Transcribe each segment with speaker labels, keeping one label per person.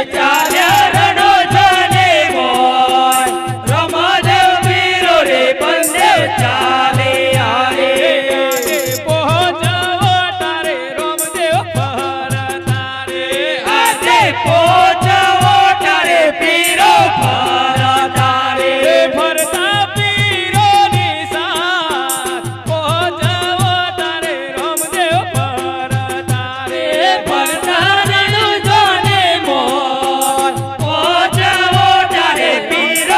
Speaker 1: ચાલ્યા રણો જાને મોય રમાદેવ પીરો રે બંદેવ ચાલે આરે
Speaker 2: પહોંચવો તારે રામદેવ ફરતારે
Speaker 1: આજે પહોંચવો તારે પીરો ફરતારે
Speaker 2: ફરતા પીરોની સાથ પહોંચવો તારે રામદેવ ફરતારે
Speaker 1: ફરતા રણો જાને મોય પહોંચવો તારે પીરો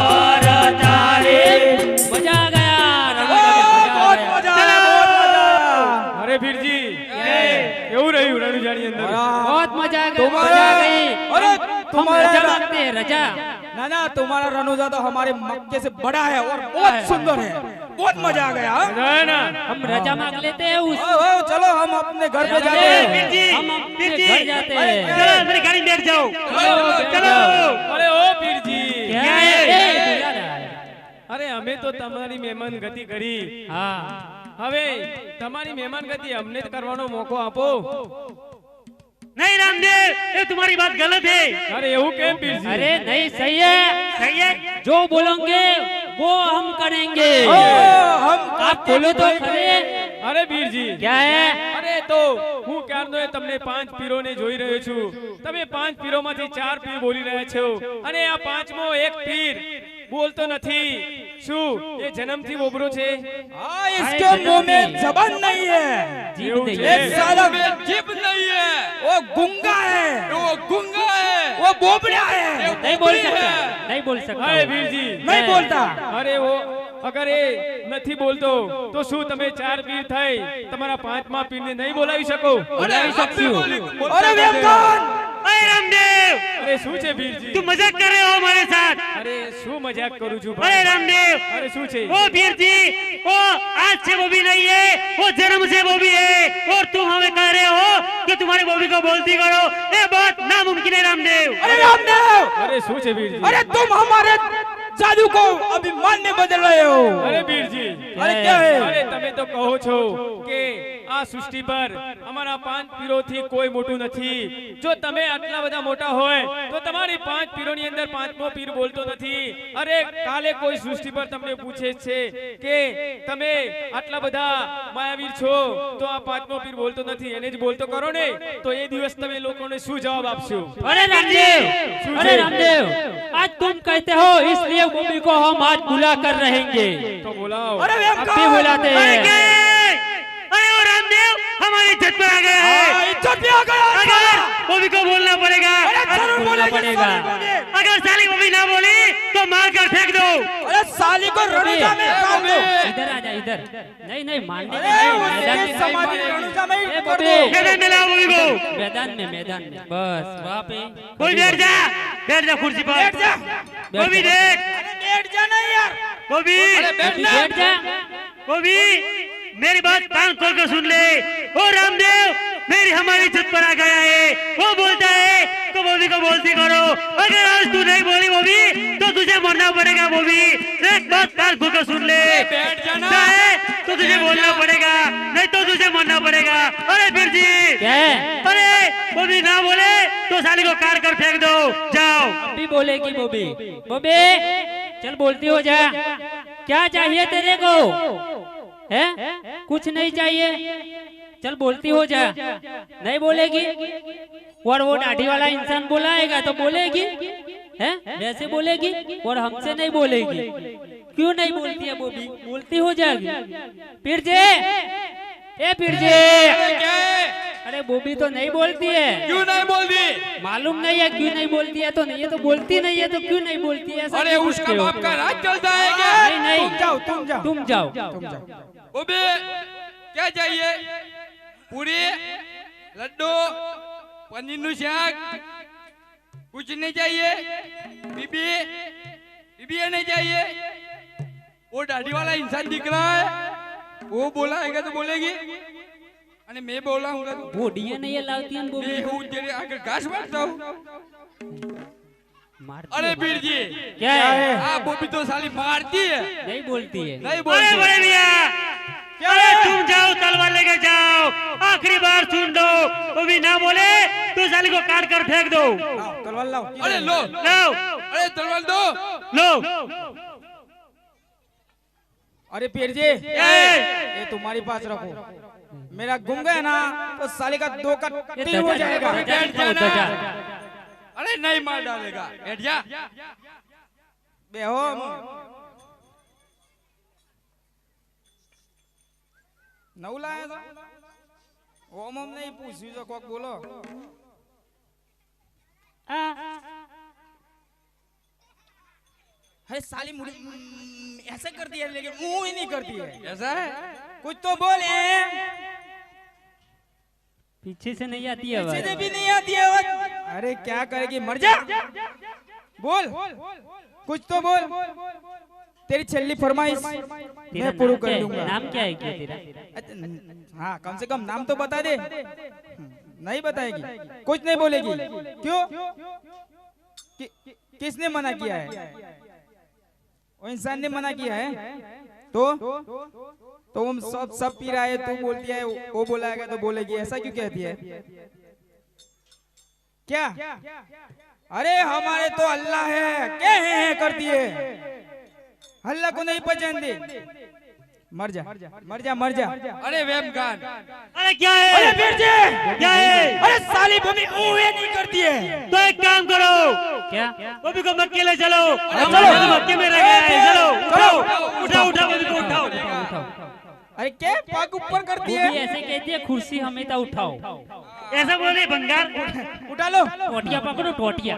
Speaker 1: ફરતારે
Speaker 2: મજા આ ગયા
Speaker 3: बहुत मजा आया, बहुत मजा।
Speaker 2: અરે વીરજી કેવું રહ્યું રણુજાની અંદર
Speaker 4: बहुत मजा आ गई
Speaker 3: तुम्हारा अरे
Speaker 4: हम
Speaker 3: तुम्हारा
Speaker 4: रजा मांगते हैं रजा
Speaker 3: ना ना तुम्हारा रनौजा तो हमारे मक्के से बड़ा है और बहुत सुंदर है। बहुत मजा आ गया।
Speaker 2: મજા આવે ને
Speaker 4: हम रजा मांग लेते हैं उस
Speaker 3: ओ, चलो हम अपने घर पे जाते हैं।
Speaker 4: हम अपने घर जाते हैं
Speaker 1: चलो मेरी गाड़ी में बैठ जाओ
Speaker 2: ચલો અરે ઓ વીરજી
Speaker 4: क्या है? ए, बुला रहा है।
Speaker 2: અરે અમે તો તમારી મહેમાન ગતિ કરી
Speaker 4: हाँ
Speaker 2: હવે તમારી મહેમાન ગતિ અમને કરવાનો મોકો આપો
Speaker 1: नहीं रामदेव ये तुम्हारी बात गलत है
Speaker 2: અરે એવું કેમ વીરજી
Speaker 4: अरे नहीं सही है
Speaker 1: सही है
Speaker 4: जो बोलोगे वो हम करेंगे
Speaker 3: ओ, हम
Speaker 4: आप बोलो तो खरे
Speaker 2: અરે વીરજી
Speaker 4: क्या है
Speaker 2: અરે તો હું ક્યારનો તમને 5 પીરોને જોઈ રહ્યો છું તમે 5 પીરોમાંથી 4 પીર બોલી રહ્યા છો અને આ પાંચમો એક પીર બોલતો નથી શું એ જન્મથી બોબરો છે
Speaker 3: हाँ, इसके मुंह में जबान नहीं है,
Speaker 4: जीभ नहीं
Speaker 2: ये
Speaker 3: एक साला में जीभ नहीं है, वो गूंगा है, वो बोबड़ा है,
Speaker 4: नहीं बोल सकता नहीं बोल सकता
Speaker 2: અરે વીરજી
Speaker 3: नहीं बोलता।
Speaker 2: અરે ઓ અગર એ નથી બોલતો તો શું તમે 4 પીર થઈ તમારા પાંચમા પીરને નહીં બોલાવી શકો
Speaker 4: बोलावी सकती हूँ
Speaker 3: अरे वेमकान,
Speaker 1: अरे रामदेव
Speaker 2: અરે શું છે વીરજી
Speaker 1: तुम मजाक कर रहे हो हमारे साथ
Speaker 2: અરે શું મજાક કરું છું
Speaker 1: अरे
Speaker 2: ભાઈ
Speaker 1: रामदेव
Speaker 2: અરે શું છે
Speaker 1: वो वीर जी वो आज से वो भी नहीं है वो जन्म से वो भी है और तुम हमें कह रहे हो कि तुम्हारी बोबी को बोलती करो ये बात नामुमकिन है रामदेव
Speaker 3: अरे रामदेव,
Speaker 2: અરે શું છે વીરજી
Speaker 3: अरे तुम हमारे जादू को अभिमान में बदल रहे हो।
Speaker 2: અરે વીરજી
Speaker 3: अरे क्या है?
Speaker 2: અરે તમે તો કહો છો કે આ સૃષ્ટિ પર અમારા 5 પીરોથી કોઈ મોટું નથી જો તમે આટલા બધા મોટા હોય તો તમારી 5 પીરોની અંદર પાંચમો પીર બોલતો નથી અરે કાલે કોઈ સૃષ્ટિ પર તમને પૂછે છે કે તમે આટલા બધા માયાવીર છો તો આ પાંચમો પીર બોલતો નથી એને જ બોલતો કરો ને તો એ દિવસ તમે લોકોને શું જવાબ આપશો
Speaker 4: अरे रामदेव अरे रामदेव आज तुम कहते हो इसलिए मम्मी को हम आज बुला कर रहेंगे
Speaker 2: તો બોલાવો
Speaker 3: अरे
Speaker 4: अब भी
Speaker 3: वेमकान,
Speaker 4: बुलाते
Speaker 1: अरे क्या
Speaker 4: हैं
Speaker 1: है? अरे वो रामदेव हमारी इज्जत पर आ गया है
Speaker 3: हाँ, इज्जत भी आ गया।
Speaker 1: अगर बोबी को बोलना पड़ेगा
Speaker 3: अरे जरूर
Speaker 4: बोलना
Speaker 3: बोलेंगे,
Speaker 4: पड़ेगा।
Speaker 3: जरूर बोलेंगे।
Speaker 1: अगर साली बोबी ना बोली तो मार कर फेंक दो
Speaker 3: अरे साली को रनौजा में डाल दो।
Speaker 4: इधर आ जा इधर नहीं नहीं मानने
Speaker 3: अरे
Speaker 4: नहीं,
Speaker 3: उसके
Speaker 4: मैदान में
Speaker 3: समाधि रनौजा में ही
Speaker 4: ए,
Speaker 3: कर
Speaker 4: बबे।
Speaker 3: दो।
Speaker 1: मैदान में लाओ बोबी को
Speaker 4: मैदान में बस वहाँ पे
Speaker 1: बोल बैठ जा कुर्सी पर
Speaker 3: बैठ जा।
Speaker 1: बोबी देख
Speaker 3: अरे बैठ जा नहीं यार।
Speaker 1: बोबी
Speaker 4: अभी बैठ जा
Speaker 1: बोबी मेरी बात कान खोल कर सुन ले ओ रामदेव मेरी हमारी इज्जत पर आ गया है वो बोलता है तो बोबी को बोलती करो अगर आज तू नहीं बोली बोबी तो तुझे मरना पड़ेगा बोबी एक बात कान खोल कर सुन ले
Speaker 3: बैठ जाना।
Speaker 1: ऐसा है तो तुझे बोलना पड़ेगा नहीं तो तुझे मरना पड़ेगा अरे फिर जी
Speaker 4: क्या है
Speaker 1: अरे बोबी ना बोले तो साली को कार कर फेंक दो जाओ
Speaker 4: अभी बोलेगी बोबी बोबी चल बोलती हो जा क्या चाहिए तेरे को है कुछ नहीं चाहिए चल बोलती हो जा नहीं बोलेगी और वो दाढ़ी वाला इंसान बुलाएगा तो बोलेगी है वैसे बोलेगी और हमसे नहीं बोलेगी क्यों नहीं बोलती है बोबी बोलती हो जाएगी फिर जे ए फिर जे अरे बोबी तो नहीं बोलती है
Speaker 3: क्यों नहीं बोलती?
Speaker 4: मालूम नहीं है क्यों नहीं बोलती है तो नहीं है तो बोलती नहीं है तो क्यों नहीं बोलती है ऐसा
Speaker 3: अरे
Speaker 4: क्यों
Speaker 3: उसका
Speaker 4: पूछते हो?
Speaker 3: बाप का राज चलता है क्या?
Speaker 4: नहीं नहीं
Speaker 3: तुम जाओ, तुम जाओ।
Speaker 4: तुम जाओ
Speaker 3: तुम जाओ। ओबे क्या चाहिए? पूरी, लड्डू, पनीर नु शाक, कुछ नहीं चाहिए? बीबी, बीबी नहीं चाहिए? वो दाढ़ी वाला इंसान दिख रहा है, वो बोलाएगा तो बोलेगी, अरे मैं बोलाऊंगा तो
Speaker 4: वो डीए नहीं है लाती है वो
Speaker 3: मैं हूँ तेरे आगे घास बांटता हूँ।
Speaker 4: मारती
Speaker 3: अरे
Speaker 4: है।
Speaker 3: वीर जी
Speaker 4: क्या है
Speaker 3: आप वो भी तो साली मारती है,
Speaker 4: नहीं बोलती है
Speaker 3: नहीं
Speaker 1: अरे
Speaker 3: बोलती।
Speaker 1: बड़े भैया अरे तुम जाओ तलवार लेके जाओ आखिरी बार सुन दो वो भी ना बोले तो साली को काट कर फेंक दो
Speaker 5: तलवार लाओ।
Speaker 3: अरे लो,
Speaker 1: लाओ
Speaker 3: अरे तलवार दो।
Speaker 1: लो
Speaker 5: अरे पीर जी
Speaker 1: ए!
Speaker 5: ये तुम्हारी पास रखो, मेरा गुम गया ना तो साले का 2 का
Speaker 4: ये
Speaker 5: 3 हो जाएगा।
Speaker 3: बैठ जा ना। अरे नहीं मार डालेगा, बैठ जा।
Speaker 5: बेहो नौ लाया था ओम ओम नहीं पूछी तो कोक बोलो। है साली मुड़ी ऐसे करती है लेकिन मुंह ही नहीं करती है।
Speaker 3: ऐसा है?
Speaker 5: कुछ तो बोले,
Speaker 4: पीछे से नहीं आती है
Speaker 5: सीधे
Speaker 4: आवाज।
Speaker 5: भी नहीं आती है आवाज। अरे क्या करेगी, मर जा। बोल कुछ तो बोल, तेरी छल्ली फरमाइश
Speaker 4: तेरा
Speaker 5: मैं पूरा
Speaker 4: नाम क्या
Speaker 5: कर
Speaker 4: है?
Speaker 5: दूंगा।
Speaker 4: नाम क्या है क्या तेरा?
Speaker 5: हाँ कम से कम नाम तो बता दे। नहीं बताएगी, कुछ नहीं बोलेगी। क्यों? किसने मना किया है? वो इंसान ने मना किया है। तो हम सब पी रहा है, तू बोलती है वो बोला है तो बोलेगी, ऐसा क्यों कहती है? क्या? अरे हमारे तो अल्लाह है, क्या है करती है, अल्लाह को नहीं पहचानती। मर जा मर जा मर जा।
Speaker 3: अरे वेम खान,
Speaker 1: अरे क्या है?
Speaker 5: अरे वीर जी
Speaker 1: क्या है?
Speaker 5: अरे साली भूमि ऊहे नहीं करती है।
Speaker 1: तो एक काम करो,
Speaker 4: क्या?
Speaker 1: बॉबी को मक्के ले चलो।
Speaker 5: चलो।
Speaker 1: हमारे तो मक्के में रह गया है। चलो उठाओ
Speaker 5: चलो।
Speaker 1: उठाओ उठाओ बॉबी को उठाओ।
Speaker 5: अरे क्या पग ऊपर करती
Speaker 4: वो
Speaker 5: है?
Speaker 4: भी ऐसे कहती है, कुर्सी हमेशा उठाओ।
Speaker 1: ऐसा बोले बंगाल।
Speaker 5: उठा लो।
Speaker 4: टोटिया पकड़ो, टोटिया।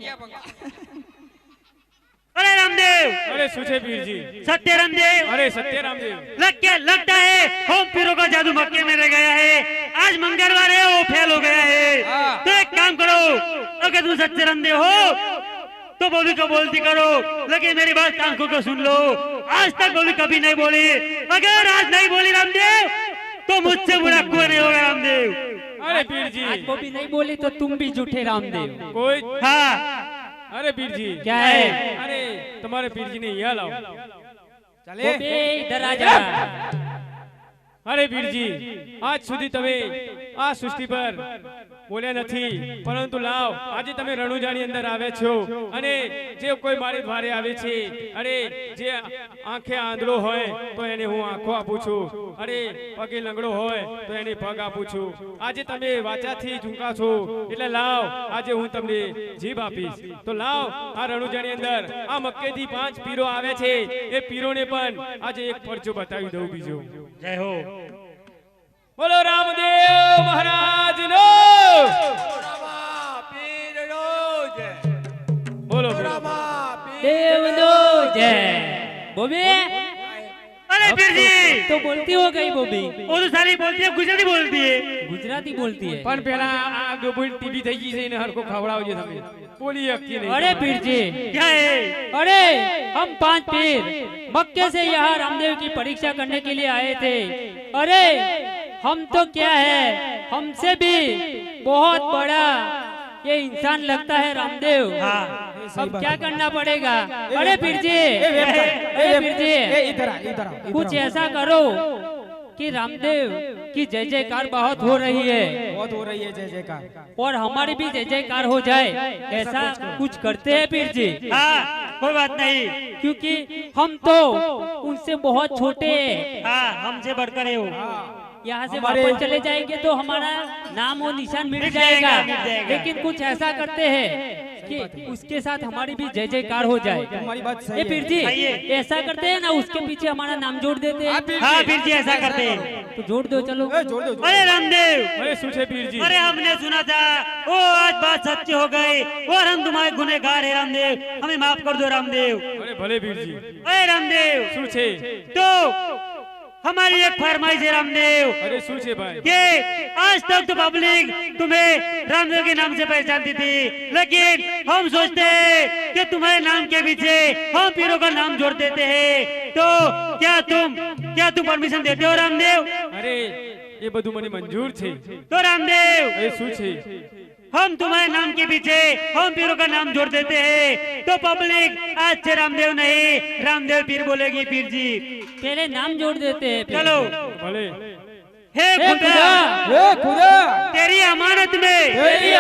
Speaker 1: अरे रामदेव,
Speaker 2: अरे सुचे पीर जी।
Speaker 1: सत्य रामदेव,
Speaker 2: अरे सत्य रामदेव।
Speaker 1: लगता है होम पीरो का जादू मक्के में रह गया है। आज मंगलवार है, वो फेल हो गया है।
Speaker 3: हाँ।
Speaker 1: तो एक काम करो, अगर तुम सच्चे रामदेव हो तो बॉबी को बोलती करो, लेकिन मेरी बात कान खोल कर सुन लो। आज तक बॉबी कभी नहीं बोली, अगर आज नहीं बोली रामदेव तो मुझसे बुरा कोई नहीं होगा रामदेव।
Speaker 2: अरे पीर जी,
Speaker 4: आज वो भी नहीं बोली तो तुम भी झूठे रामदेव।
Speaker 2: कोई।
Speaker 1: हाँ
Speaker 2: अरे पीर जी
Speaker 4: क्या है?
Speaker 2: अरे तुम्हारे पीर जी ने यहाँ लाओ।
Speaker 5: चले
Speaker 4: वो भी इधर आ जा।
Speaker 2: અરે વીરજી આજ સુધી તમે આ સૃષ્ટિ પર બોલ્યા નથી, પરંતુ લાવ આજે તમે રણુજાની અંદર આવે છો અને જે કોઈ મારી દ્વારે આવે છે, અરે જે આંખે આંધળો હોય તો એને હું આંખો આપું છું, અરે પગે લંગડો હોય તો એને પગ આપું છું. આજે તમે વાચાથી ઝૂંકા છો એટલે લાવ આજે હું તમને જીભ આપીશ. તો લાવ આ રણુજાની અંદર આ મક્કેથી 5 પીરો આવે છે, એ પીરોને પણ આજે એક પરચો બતાવી દઉં બીજો.
Speaker 1: जय हो।
Speaker 2: બોલો રામદેવ મહારાજ નો બોલો
Speaker 4: देवनो जय। बोबी
Speaker 1: अरे फिर जी
Speaker 4: तो बोलती हो गई बोबी,
Speaker 1: वो तो सारी बोलती है, गुजराती बोलती है।
Speaker 4: गुजराती बोलती है।
Speaker 2: પણ પેલા આ ગોબુલ ટીવી થઈ ગઈ છે એને હરકો ખવડાવજો તમે, બોલી શકતી નહીં.
Speaker 4: अरे पीर जी,
Speaker 1: क्या है?
Speaker 4: अरे हम 5 पीर मक्के से यहाँ रामदेव की परीक्षा करने के लिए आए थे। अरे हम तो क्या है, हमसे भी बहुत बड़ा ये इंसान लगता है रामदेव।
Speaker 1: हाँ
Speaker 4: अब क्या करना पड़ेगा? अरे पीर जी,
Speaker 5: ए
Speaker 4: पीर जी,
Speaker 5: इधर आ इधर आ
Speaker 4: कुछ ऐसा करो कि रामदेव की जय जयकार बहुत हो रही है
Speaker 5: बहुत हो रही है जय जयकार,
Speaker 4: और हमारी भी जय जयकार हो जाए, ऐसा कुछ करते हैं पीर जी।
Speaker 1: हाँ कोई बात नहीं।
Speaker 4: क्योंकि हम तो उनसे बहुत छोटे हैं।
Speaker 1: हाँ हमसे बढ़कर है वो।
Speaker 4: यहाँ से
Speaker 5: हमारे-
Speaker 4: वापस चले जाएंगे तो हमारा नाम और निशान मिट
Speaker 1: मिट
Speaker 4: जाएगा,
Speaker 1: जाएगा, मिट जाएगा।
Speaker 4: लेकिन कुछ ऐसा करते हैं कि उसके साथ हमारी भी जय जयकार हो जाए।
Speaker 5: तुम्हारी बात सही
Speaker 4: ये
Speaker 5: है।
Speaker 4: पीर जी
Speaker 1: सही है।
Speaker 4: ऐसा करते हैं ना, उसके पीछे हमारा नाम जोड़ देते हैं।
Speaker 1: हाँ फिर जी ऐसा करते हैं।
Speaker 4: तो जोड़ दो चलो।
Speaker 5: ए, जोड़ दो
Speaker 1: अरे रामदेव,
Speaker 2: અરે શું છે પીરજી?
Speaker 1: अरे हमने सुना था वो आज बात सच्ची हो गई और हम तुम्हारे गुनहगार है रामदेव, हमें माफ कर दो रामदेव।
Speaker 2: અરે ભલે પીરજી.
Speaker 1: अरे रामदेव
Speaker 2: શું છે?
Speaker 1: तो हमारी एक फरमाइश है रामदेव
Speaker 2: અરે શું છે ભાઈ?
Speaker 1: कि आज तक तो पब्लिक तुम्हें रामदेव के नाम से पहचानती थी, लेकिन हम सोचते हैं कि तुम्हारे नाम के पीछे हम पीरों का नाम जोड़ देते हैं। तो क्या तुम परमिशन देते हो रामदेव?
Speaker 2: અરે એ બધું મને મંજૂર છે.
Speaker 1: तो रामदेव
Speaker 2: અરે શું છે?
Speaker 1: हम तुम्हारे नाम के पीछे हम पीरों का नाम जोड़ देते हैं, तो पब्लिक आज से रामदेव नहीं रामदेव पीर बोलेगी। पीर जी
Speaker 4: पहले नाम जोड़ देते हैं फिर।
Speaker 1: चलो।
Speaker 2: ભલે.
Speaker 1: हे
Speaker 4: हे
Speaker 1: खुदा
Speaker 4: खुदा,
Speaker 5: ए खुदा
Speaker 1: तेरी अमानत में
Speaker 5: तेरी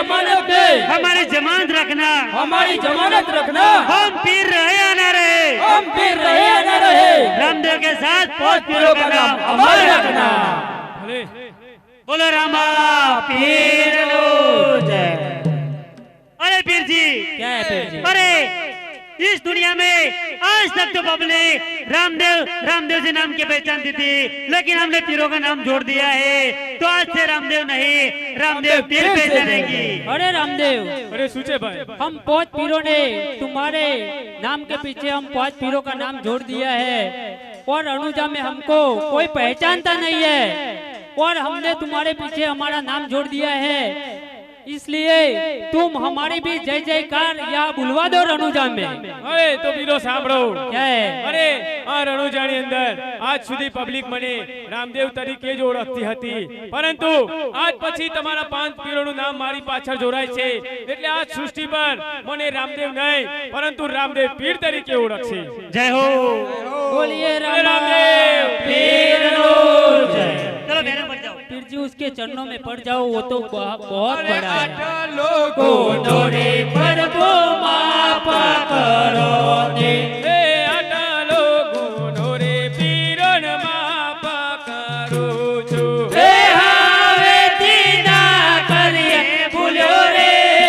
Speaker 5: अमानत दे,
Speaker 1: हमारी जमानत रखना,
Speaker 5: हमारी जमानत रखना,
Speaker 1: हम पीर रहे या ना रहे,
Speaker 5: हम पीर रहे या न रहे,
Speaker 1: रामदेव के साथ
Speaker 5: पांच पीरों का नाम अमर रखना।
Speaker 2: भले
Speaker 1: बोलो रामा पीर लो जय। अरे पीर जी,
Speaker 4: क्या है पीर जी?
Speaker 1: अरे इस दुनिया में आज तक तो पब्लिक रामदेव जी नाम की पहचानती थी, लेकिन हमने पीरों का नाम जोड़ दिया है, तो आज से रामदेव नहीं, रामदेव पीर पहचानेगी।
Speaker 4: अरे रामदेव,
Speaker 2: अरे सूचे भाई,
Speaker 4: हम 5 पीरों ने तुम्हारे नाम के पीछे हम 5 पीरों का नाम जोड़ दिया है, और अनुजा में हमको कोई पहचानता नहीं है, और हमने तुम्हारे पीछे हमारा नाम जोड़ दिया है, इसलिए तुम हमारी भी जय जयकार यहाँ बुलवा दो रनुजा में।
Speaker 2: अरे तो पीरो सांभळो,
Speaker 4: क्या है?
Speaker 2: अरे आ રણુજાની અંદર આજ સુધી પબ્લિક મને રામદેવ તરીકે જ ઓળખતી હતી, પરંતુ આજ પછી તમારા 5 પીરોનું નામ મારી પાછળ જોડાય છે, એટલે આ સૃષ્ટિ પર મને રામદેવ નહીં પરંતુ રામદેવ પીર તરીકે ઓળખશે।
Speaker 1: जय हो।
Speaker 4: बोलिए
Speaker 2: रामदेव
Speaker 4: रामदेव पीर लो जय।
Speaker 1: चलो बहनों बढ़ जाओ।
Speaker 4: पीर जी उसके चरणों में पड़ जाओ, वो तो बहुत बड़ा है।
Speaker 3: लोगो
Speaker 4: नोरे पर वो माफ करो दे,
Speaker 2: હે આટલો ગુનો રે પીરન માફ કરું છું।
Speaker 4: हे हावे दीना करिए भूल्यो रे,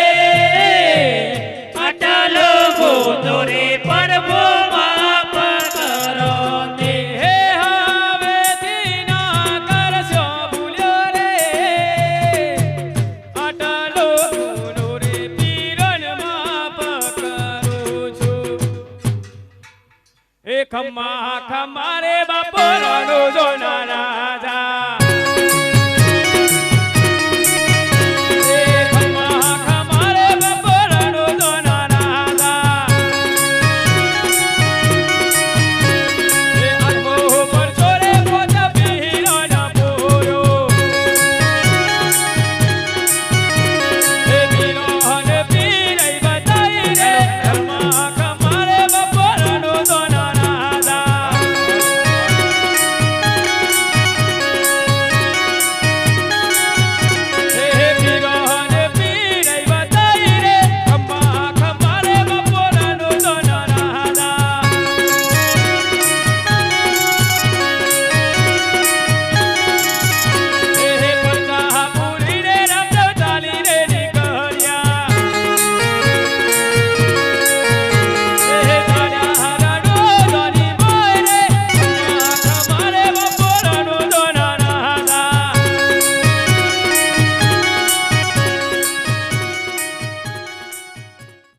Speaker 4: अटलो गोदोरे पर वो माफ करो दे।
Speaker 2: હે હવેથી ના કરશો ભૂલ્યો રે, આટલો ગુનો રે પીરન માફ કરું છું। એ ખમ્મા ખમ્મા રે બાપો રણુજો